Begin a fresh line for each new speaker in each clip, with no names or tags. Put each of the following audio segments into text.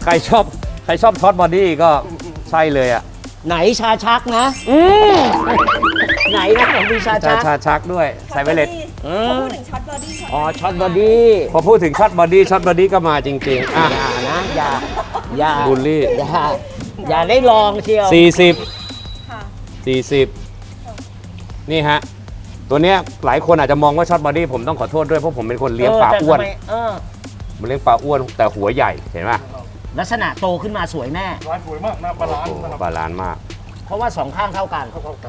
ใครชอบช็อตบอดี้ก็ใช่เลยอ่ะ
ไหนชาชักนะไหนนะมีชาชัก
ชาชักด้วยใส่ไวเลต
พอพูดถึงช็อตบอดี้
อ๋อช็อตบอดี้
พอพูดถึงช็อตบอดี้ก็มาจริงๆอ่ะ
อย่านะอย่า
บูลลี่
อย่าได้ลองเชียว
40
ค่ะ
40นี่ฮะตัวเนี้ยหลายคนอาจจะมองว่าช็อตบอดี้ผมต้องขอโทษด้วยเพราะผมเป็นคนเลี้ยงปลาอ้วน มันเลี้ยงปลาอ้วนแต่หัวใหญ่เห็นไหม
ลักษณะโตขึ้นมาสวยแน่
ร้านสวยมากนะบาลานซ์นะครับ
บาลานซ์มาก
เพราะว่าสองข้างเท่ากัน
เข้ากัน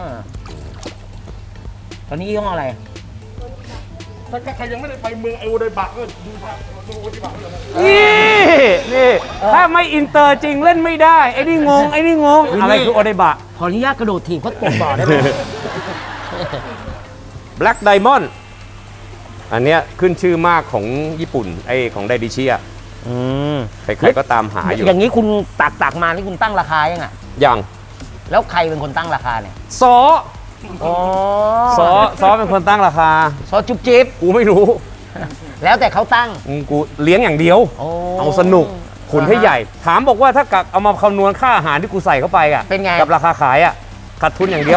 ตอนนี้ยี่ห้ออะไร
ถ้าใครยังไม่ได้ไปเมืองไอโอไดบะก็ดูที่บะเลยนะ
นี่ถ้าไม่อินเตอร์จริงเล่นไม่ได้ไอ้นี่งงอะไรคือโอเดบะ
ขออนุญาตกระโดดถีบเขาตกบ่อได้ไหม
Black Diamond อันเนี้ยขึ้นชื่อมากของญี่ปุ่นไอของไดดิชิอ่ะใครๆก็ตามหาอยู่
อย่างนี้คุณตักมานี่คุณตั้งราคายังอ่ะ
อย่าง
แล้วใครเป็นคนตั้งราคาเนี่ย
ซอ
อ๋อ
ซอเป็นคนตั้งราคา
ซอจุ๊บจิ๊บ
กูไม่รู้
แล้วแต่เขาตั้ง
กูเลี้ยงอย่างเดียว
โอ้
เอาสนุกขุนให้ใหญ่ ถามบอกว่าถ้ากะเอามาคำนวณค่าอาหารที่กูใส่เข้าไปอ่ะ
เป็นไง
กับราคาขายอ่ะขาดทุนอย่างเดียว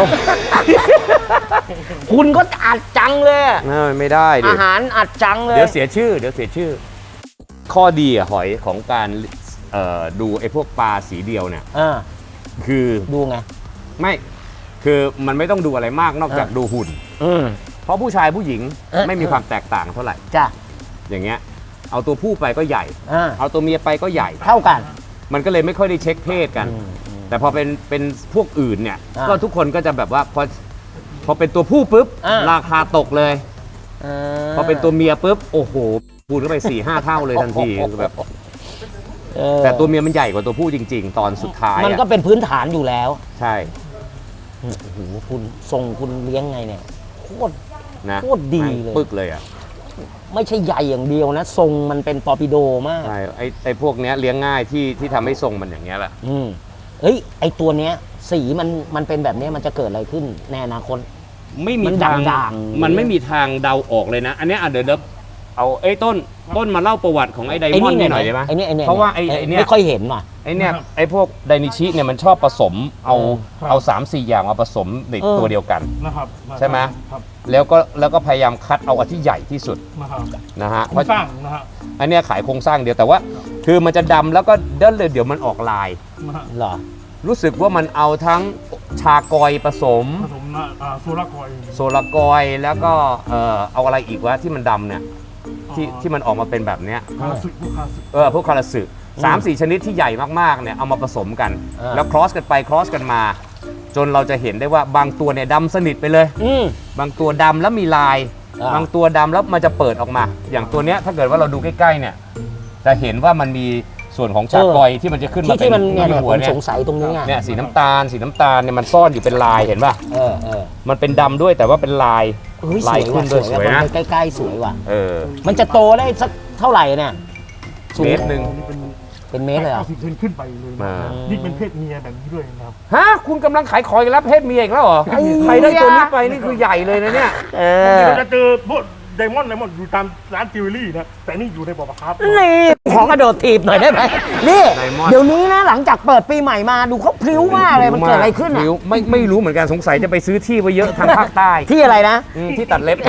คุณก็อัดจังเลยอะ
ไม่ได้ดิ
อาหารอัดจังเลย
เดี๋ยวเสียชื่อ ข้อดีอะหอยของการดูไอ้พวกปลาสีเดียวเนี่ย คือ
ดูไง
ไม่คือมันไม่ต้องดูอะไรมากนอกจากดูหุ่น เพราะผู้ชายผู้หญิงไม่มีความแตกต่างเท่าไหร่
จ้ะ
อย่างเงี้ยเอาตัวผู้ไปก็ใหญ่ เอาตัวเมียไปก็ใหญ่
เท่ากัน
มันก็เลยไม่ค่อยได้เช็คเพศกัน แต่พอเป็นพวกอื่นเนี่ย ก็ทุกคนก็จะแบบว่าพอเป็นตัวผู้ปุ๊บราคาตกเลย พอเป็นตัวเมียปุ๊บโอ้โหพูดเข้าไป 4-5 เท่าเลยทันทีคือแบบแต่ตัวเมียมันใหญ่กว่าตัวผู้จริง ๆ ตอนสุดท้าย
มันก็เป็นพื้นฐานอยู่แล้ว
ใช่
โอ้โหคุณทรงคุณเลี้ยงไงเนี่ยโคตร
นะ
โคตรดีเลย
ปึกเลยอ่ะ
ไม่ใช่ใหญ่อย่างเดียวนะ ทรงมันเป็นตอร์ปิโดมาก
ใช่ไอ้พวกเนี้ยเลี้ยงง่ายที่ทำให้ทรงมันอย่างเงี้ยแหละ
เอ้ยไอตัวเนี้ยสีมันเป็นแบบเนี้ยมันจะเกิดอะไรขึ้นในอนาคต
ไม่มี
มัน
ทาง
ด่างๆ
มันไม่มีทางเดาออกเลยนะ อันเนี้ยเดี๋ยวเอาไอ้ต้นมาเล่าประวัติของไอ้ไดมอนด์นี่หน่อยได้ไหม
ไอ้นี่
เพราะว่าไอ้เนี่ย
ไม่ค่อยเห็นว่ะ
ไอ้เนี่ยไอ้พวกไดนิชิเนี่ยมันชอบผสมเอา3-4 อย่างมาผสมในตัวเดียวกัน
นะครับ
ใช่ไหม
ครับ
แล้วก็พยายามคัดเอาอันที่ใหญ่ที่สุด
นะครับ
นะฮะ
โครงสร้างนะฮะ
อันเนี้ยขายโครงสร้างเดียวแต่ว่า คือมันจะดำแล้วก็เดี๋ยวมันออกลาย
นะฮะ
เหรอ
รู้สึกว่ามันเอาทั้งชากอยผสม
ผสมนะโซลาคอย
โซลากอยแล้วก็เอาอะไรอีกวะที่มันดำเนี่ยที่มันออกมาเป็นแบบเนี้ย
คาสึพวกคาสึ
พวกคาราสึ3-4 ชนิดที่ใหญ่มากๆเนี่ยเอามาผสมกัน แล้วครอสกันไปครอสกันมา จนเราจะเห็นได้ว่าบางตัวเนี่ยดำสนิทไปเลย บางตัวดำแล้วมีลาย บางตัวดำแล้วมันจะเปิดออกมา อย่างตัวเนี้ยถ้าเกิดว่าเราดูใกล้ๆเนี่ยจะเห็นว่ามันมีส่วนของชากอยที่มันจะขึ้นมา
ที่มันเนี่ย
ที่หั
ผ
ว
ม
เนี่ย
สงสัยตรงนี้ไง
เนี่ยสีน้ำตาลเนี่ยมันซ่อนอยู่เป็นลายเห็นป่ะ มันเป็นดำด้วยแต่ว่าเป็นลาย
เฮ้ยส
ลาย
วย
ขึ้
ว่ะ
น
ส
ด้วย
วย
สวย
ว่ะ
นะ
มันใกล้ๆสวยว่ะ มันจะโตได้สักเท่าไหร่เนี่ยสูง
เมตรหนึ่ง
นี่เป็น
เป็นเมตรเลยเหรอ
90 เซนขึ้นไปเลยนะนี่เป็นเพศเมียแบบนี้ด้วยนะครับ
ฮะคุณกำลังขายของอีกแล้วเพศเมียอีกแล้วเหรอใครได้ตัวนี้ไปนี่คือใหญ่เลยนะเนี่ย
เราจะเจอพวกไดมอนด์อยู่ตามร้านจิวเวลรี่นะแต่นี่อยู่ในบ่อปลาคาร์ฟ
นี่ขอกระโดดถีบหน่อยได้ไหมนี่
Diamond
เดี๋ยวนี้นะหลังจากเปิดปีใหม่มาดูเขาพลิ้วมากเลยมันเกิดอะไรขึ้นอ่ะ
ไม่รู้เหมือนกันสงสัยจะไปซื้อที่ไว้เยอะทางภาคใต้
ที่อะไรนะ
ที่ตัดเล็บ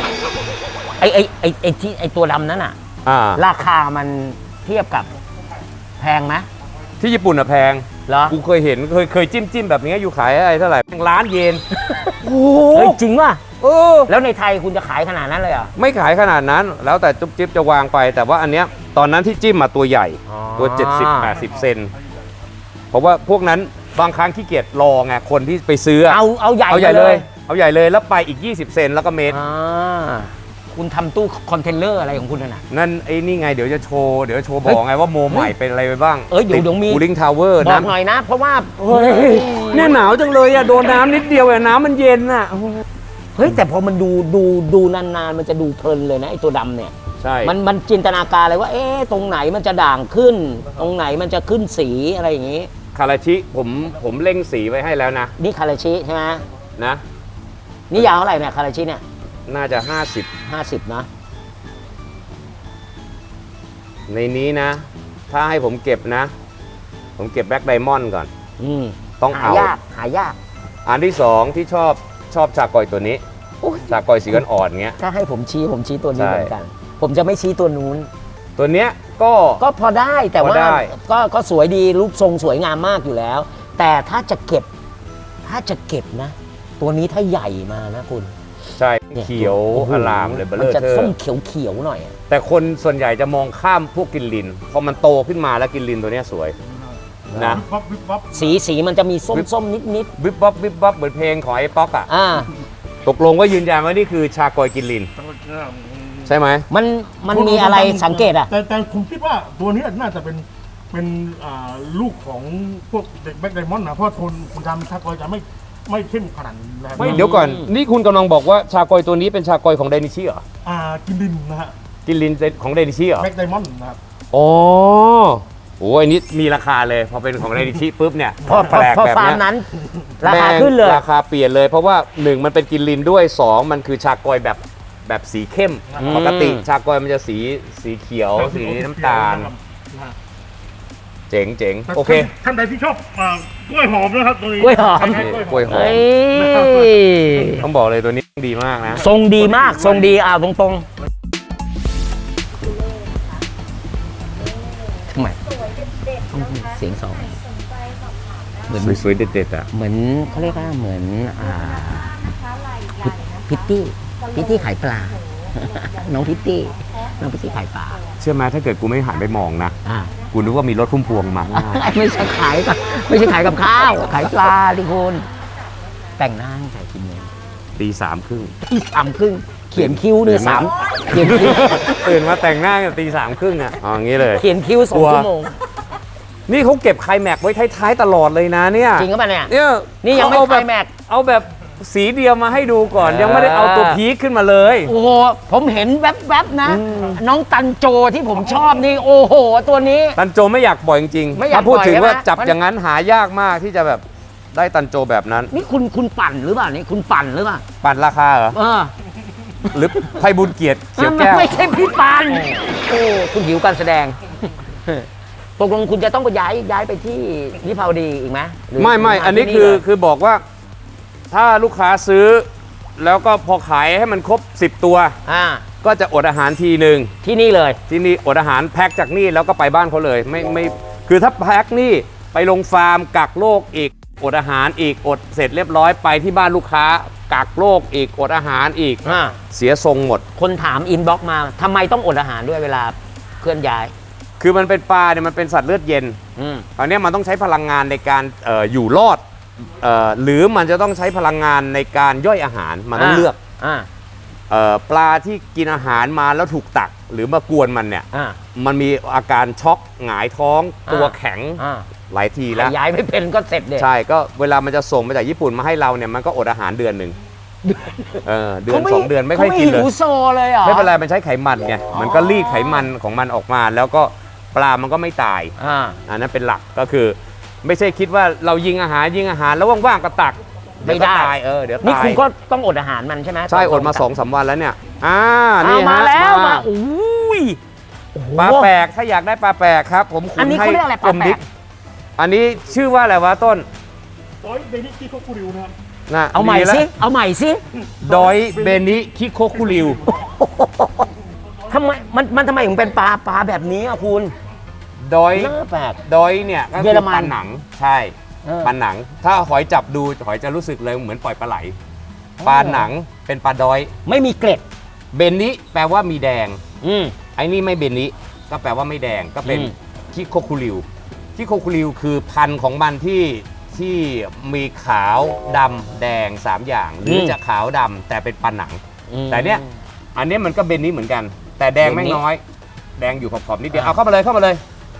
ไอตัวดำนั้นอ่ะ ราคามันเทียบกับแพงไหม
ที่ญี่ปุ่นอะแพง
เหรอ
กูเคยเห็นเคยจิ้มแบบนี้อยู่ขายอะไรเท่าไหร่ล้านเยน
โอ้จริงป่ะแล้วในไทยคุณจะขายขนาดนั้นเลยเหรอ
ไม่ขายขนาดนั้น แล้วแต่จุ๊บจิ๊บจะวางไป แต่ว่าอันเนี้ยตอนนั้นที่จิ้มมาตัวใหญ่ ตัว 70-80 เซนเพราะว่าพวกนั้นบางครั้งขี้เกียจรอไงคนที่ไปซื้อ
เอาใหญ่
เอาใหญ่เลยเอาใหญ่เลยแล้วไปอีก 20 เซนแล้วก็เมตร
คุณทำตู้คอนเทนเนอร์อะไรของคุณน่ะ
นั่นไอ้นี่ไงเดี๋ยวจะโชว์บอกไงว่าโมใหม่เป็นอะไรไปบ้าง
เดี๋ยวมี
คูลิ่งทาวเวอร์
บอกหน่อยนะ เพราะว่า
เนี่ยหนาวจังเลยอะโดนน้ำนิดเดียวอะน้ำมันเย็นอะ
เฮ้ยแต่พอมันดูนานๆมันจะดูเพลินเลยนะไอตัวดำเนี่ย
ใช่
มันจินตนาการเลยว่าตรงไหนมันจะด่างขึ้น ตรงไหนมันจะขึ้นสีอะไรอย่างนี้
คาราชิผมเร่งสีไว้ให้แล้วนะ
นี่คาราชิใช่ไหม
นะ
นี่ยาวเท่าไหร่เนี่ยคาราชิเนี่ย
น่าจะ
50นะ
50 ในนี้นะถ้าให้ผมเก็บนะ ผมเก็บแบล็กไดมอนด์ก่อน ต้อง
หา
เอา
ยากหายาก
อันที่2ที่ชอบชากอยตัวนี้
โอ้ย
ชากอยสีอ่อนๆเงี้ย
ถ้าให้ผมชี้ตัวนี้
ใช่
เหมือนกัน ผมจะไม่ชี้ตัวนู้น
ตัวเนี้ยก็
ก็พอได้แต่
พอ
ว่า
ได้
ก็สวยดีรูปทรงสวยงามมากอยู่แล้ว แต่ถ้าจะเก็บนะ ตัวนี้ถ้าใหญ่มานะคุณ
ใช่
นี่
เขียว
โโห
อลามเลยเบล
มั
เลอร์
จะ
เทอ
ส้ม
ร์
เขียวหน่อยอะ
แต่คนส่วนใหญ่จะมองข้ามพวกกินลินพอมันโตขึ้นมาแล้วกินลินตัวเนี้ยสวยนะ
วิบวับ
สีมันจะมีส้มนิด
วิบวับวิบวับเหมือนเพลงของไอ้ป๊อกอ่ะ
อ่า
ตกลงว่ายืนยันว่านี่คือชากอยกินลิน ใช่ไหม
มันมีอะไรสังเกตอ่ะ
แต่ผมคิดว่าตัวนี้น่าจะเป็นลูกของพวกเด็กแบ็คไดมอนด์นะเพราะโทนคุณทำชากอยจะไม่เข้มขนาดนี้นะครับ
ไม่เดี๋ยวก่อน นี่คุณกำลังบอกว่าชากอยตัวนี้เป็นชากอยของไดนิชิเหรอ
กินดินนะฮะ
กินลินของไดนิชิเหรอ
แบ็คไดมอนด์นะครับ
อ๋อโอ้ยอันนี้มีราคาเลย พอเป็นของไดนิชิปุ๊บเนี่ย
พอ
แปลกแบบ
ฟาร์ม
เนี้ย
นั้น ราคาขึ้นเลย
ราคาเปลี่ยนเลย เพราะว่า 1 มันเป็นกินลินด้วย 2 มันคือชากอยแบบสีเข้ม ปกติชากอยมันจะสีเขียว สีน้ำตาล เจ๋ง
แต่
โอเค
ท่านใดที่ชอบกล้วยหอมนะครับตัวนี้
กล้วยหอม
คล้ายๆ
กล้วยหอม
เฮ้ย
ต้องบอกเลยตัวนี้ดีมากนะ
ทรงดีมากทรงดีตรงทำไม
สวยเด็ดๆนะคะ
เสียงสอง
ใครสนใจสอบถามได้
เหมือน
สวยๆเด็ดๆอ่ะ
เหมือนเขาเรียกว่าเหมือน
นะคะไหล่ใหญ่นะคะ
พิตตี้ขายปลา น้องพิตตี้ขายปลา
เชื่อไหมถ้าเกิดกูไม่หันไปมองนะ
อ่า
กูนึกว่ามีรถพุ่มพวงมา
ไม่ใช่ขายกับข้าว ขายปลาดิคุณแต่งหน้าให้ใส่กินเลย
ตี3 ครึ่ง
ที่3:30เขียนคิ้วเนี่ย3เขียนคิ้ว
ตื่นมาแต่งหน้ากันตี 3 ครึ่งอ่ะอ๋ออย่างนี้เลย
เขียนคิ้ว2 ชั่วโมง
นี่เขาเก็บไคลแม็กซ์ไว้ท้ายๆตลอดเลยนะเนี่ย
จริงก็ปล่ะเนี่ย
เนี่ย
นี่ยังไม่
เอา
ไค
แบ
ล
บ
แม็กซ์
เอาแบบสีเดียวมาให้ดูก่อน ยังไม่ได้เอาตัวพีคขึ้นมาเลย
โอ้โหผมเห็นแวบๆนะ น้องตันโจที่ผมชอบนี่โอ้โห ตัวนี้
ตันโจไม่อยากปล่อยจริง
ไม่
ๆ
อยาก
ถ้าพูดถึง
ปล่อย
ว่า
ใช่ไหม
จับอย่างนั้นหายากมากที่จะแบบได้ตันโจแบบนั้น
นี่คุณปั่นหรือเปล่านี่คุณปั่นหรือเปล่า
ปั่นราคาเหรอ หรือไพบุญเกียรติเขียวแก้ว
ไม่ใช่พี่ปั่นโอ้คุณหิวการแสดงตกลงคุณจะต้องไปย้ายไปที่วิภาวดีอีกไหมหรือ
ไม่ อันนี้
ที่เลย
คือบอกว่าถ้าลูกค้าซื้อ แล้วก็พอขายให้มันครบ 10 ตัว ก็จะอดอาหารทีหนึ่ง
ที่นี่เลย
ที่นี่อดอาหารแพ็คจากนี่แล้วก็ไปบ้านเขาเลยไม่คือถ้าแพ็คนี่ไปลงฟาร์มกักโรคอีกอดอาหารอีกอดเสร็จเรียบร้อยไปที่บ้านลูกค้ากักโรคอีกอดอาหารอีกเสียทรงหมด
คนถามอินบ็อกมาทำไมต้องอดอาหารด้วยเวลาเคลื่อนย้าย
คือมันเป็นปลาเนี่ยมันเป็นสัตว์เลือดเย็นคราวนี้มันต้องใช้พลังงานในการอยู่รอดหรือมันจะต้องใช้พลังงานในการย่อยอาหารมันต้องเลือกปลาที่กินอาหารมาแล้วถูกตักหรือมากวนมันเนี่ยมันมีอาการช็อกหงายท้องตัวแข็งหลายทีแล้ว
ย้ายไม่เป็นก็เสร็จเด็ด
ใช่ก็เวลามันจะส่งมาจากญี่ปุ่นมาให้เราเนี่ยมันก็อดอาหารเดือนหนึ่งเดือน2 เดือนไม่ค่อยกินเลย
หิวโซเลยเหรอ
ไม่เป็นไรมันใช้ไขมันไงมันก็รีดไขมันของมันออกมาแล้วก็ปลามันก็ไม่ตายอันนั้นเป็นหลักก็คือไม่ใช่คิดว่าเรายิงอาหารแล้วว่างๆก็ตัก
ไม่ได้
เยวก็ตายเดี๋ยว
นี่
ตาย
คุณก็ต้องอดอาหารมันใช่ไหม
ใช่อดมา 2-3 วันแล้วเนี่ยนี่
เอามา
ฮะ
แล้วมาอุ้ยโอ้โห
ปลาแปลกถ้าอยากได้ปลาแปลกครับผมคุ
อัน
ณ
นี้
ให้
เขาเรียกอะไรปลาแปลก
ดิ๊อันนี้ชื่อว่าอะไรวะต้น
ร้อยเดนิคิโคคุริวนะครับ
นะ
เอาใหม่
ดีแล้ว
สิเอาใหม่สิ
ดอยเบนิคิโคคุริว
ทำไมมันทำไมถึงเป็นปลาแบบนี้อ่ะคุณ
ดอย
น่าแปลก
ดอยเนี่ยก็
เย
คือ อ
รมัน
ปลาหนังใช่ปลาหนัง ถ้าหอยจับดูหอยจะรู้สึกเลยเหมือนปล่อยปลาไหลปลาหนังเป็นปลาดอย
ไม่มีเกล็ด
เบนนิแปลว่ามีแดง
อืม
ไอ้นี่ไม่เบนนิก็แปลว่าไม่แดงก็เป็น
อืม
คิโคคุริวคิโคคุริวคือพันธุ์ของมันที่มีขาวดำแดง3อย่างหรือจะขาวดำแต่เป็นปลาหนัง แต่เนี้ยอันเนี้ยมันก็เบนนิเหมือนกัน แต่แดงไม่น้อย แดงอยู่ขอบๆนิดเดียวเอาเข้ามาเลย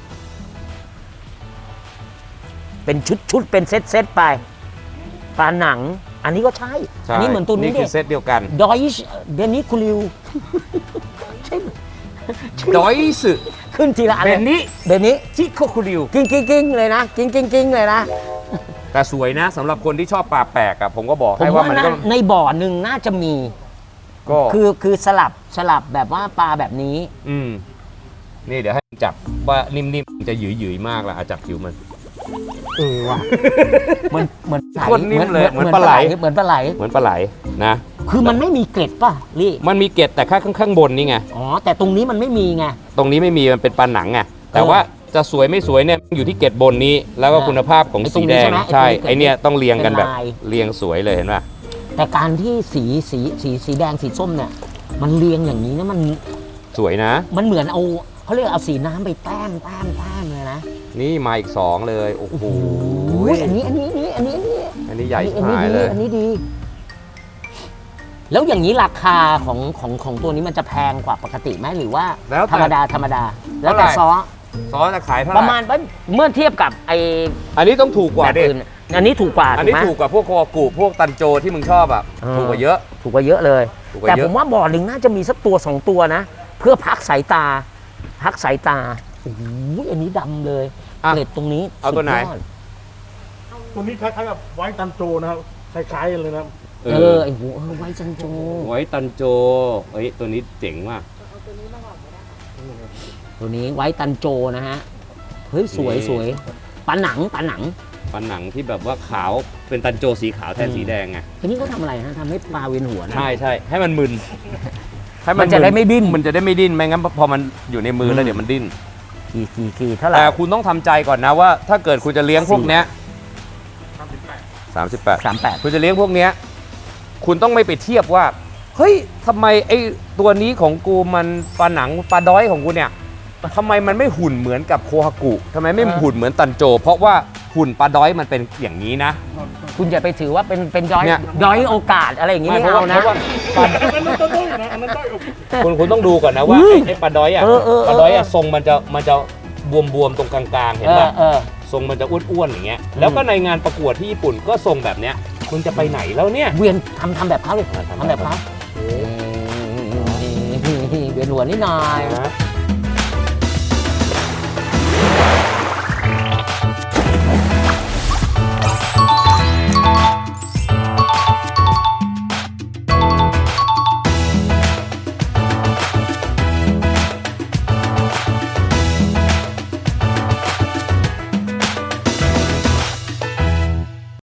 เป็นชุดเป็นเซตไปปลาหนัง อันนี้ก็ใช่
ใช่
อันนี้เหมือนตัวนี้
นี่คือเซตเดียวกัน
ดอยเบนิคูลิวใช่
ดอยสึ
ขึ้นทีละอัน
เบ
เลย
นนิ
เบนิ
คิโคคุริว
กิ้งเลยนะกิ้งเลยนะ
แต่สวยนะสำหรับคนที่ชอบปลาแปลกอะผมก็บอก
ผม
ให้ว่า
ว่า
มัน
นะ
ก็
ในบ่อหนึ่งน่าจะมี
ก็
คือสลับแบบว่าปลาแบบนี้
อืมนี่เดี๋ยวให้จับว่านิ่มๆจะหยืยๆมากละจับผิวมัน
ว่ะเหมือน
โคตรนิ่มเลยเหมือนปลาไหล
เหมือนปลาไหล
เหมือนปลาไหลนะ
คือมันไม่มีเกล็ดป่ะลี่
มันมีเกล็ดแต่ข้างบนนี่ไง
อ๋อแต่ตรงนี้มันไม่มีไง
ตรงนี้ไม่มีมันเป็นปลาหนังไงแต่ว่าจะสวยไม่สวยเนี่ยอยู่ที่เกล็ดบนนี้ แล้วก็คุณภาพของสีแดงใช่ไอเนี่ยต้องเรียงกันแบบเรียงสวยเลยเห็นป่ะ
แต่การที่สีแดงสีส้มเนี่ยมันเรียงอย่างนี้นะมัน
สวยนะ
มันเหมือนเอาเขาเรียกเอาสีน้ำไปแต้มเลยนะ
นี่มาอีก2เลยโอ้โห
อันนี้
อันนี้ใหญ่หายเลย
อันนี้ดี แล้วอย่างนี้ราคาของตัวนี้มันจะแพงกว่าปกติไหมหรือว่า
แล้วแต่
ธรรมดาแล้วแต่
เท่าไหร่
ซอส
จะขายเท่าไห
ป
ร่
ระมาณเมื่อเทียบกับไอ
อันนี้ต้องถูกกว่า
แบบ
ดิ
อื่นอันนี้ถูกกว่า
อัน
ถู
นี้
กไหม
ถูกกว่าพวกโคกุพวกตันโจที่มึงชอบอ่ะถูกกว่าเยอะ
ถูกกว่าเยอะเลย
ถูกกว่า
แต่
เย
ผ
อะ
มว่าบ่อหนึ่งน่าจะมีสักตัว2ตัวนะ เพื่อพักสายตาโอ้โหอันนี้ดำเลย
อ่ะ
เกล็ดตรงนี้
เอาตัวไหน
สุดยอด
ตัวนี้คล้ายๆกับไว้ตันโจนะครับคล้ายๆกันเลยนะ
ไอ้หูไว้จันโจ
ไว้ตันโจเฮ้ยตัวนี้เจ๋งมาก
ตัวนี้ไว้ตันโจนะฮะเฮ้ยสวย
นี่
สวยปลาหนัง
ปลาหนังที่แบบว่าขาวเป็นตันโจสีขาวแทนสีแดงไง
ทีนี้เขาทำอะไรฮะทำให้ปลาเวียนหัวนะ
ใช่ใช่ให้มันมึนให้
มันจะได้ไม่ดิ้น
มันจะได้ไม่ดิ้นไม่งั้นพอมันอยู่ในมือแล้วเดี๋ยวมันดิ้น
กี่เท่าไหร่
แต่คุณต้องทำใจก่อนนะว่า ถ้าเกิดคุณจะเลี้ยงพวกเนี้ย38
38
คุณจะเลี้ยงพวกเนี้ยคุณต้องไม่ไปเทียบว่าเฮ้ยทำไมไอ้ตัวนี้ของกูมันปลาหนังปลาด้อยของกูเนี่ยทำไมมันไม่หุ่นเหมือนกับโคฮากุทำไมไม่หุ่นเหมือนตันโจ เพราะว่าหุ่นปลาด้อยมันเป็นอย่างนี้นะ
คุณอย่าไปถือว่าเป็นย้อย
เนี่ย
ย้อยโอกาสอะไรอย่างงี้ไม่เอานะ
เพราะว่า
อันนั้นต้นๆนะอันนั้นต้น
คุณต้องดูก่อนนะว่าไอ้ปลาด้อยอ่ะปลาด้อยอ่ะทรงมันจะบวมๆตรงกลางๆเห็นป่ะทรงมันจะอ้วนๆอย่างเงี้ยแล้วก็ในงานประกวดที่ญี่ปุ่นก็ทรงแบบเนี้ยคุณจะไปไหนแล้วเนี่ย
เวียนทำแบบเขาเลย
ทำ
ทำแบบเขาเวียนหัวนิดหน่อย
นะ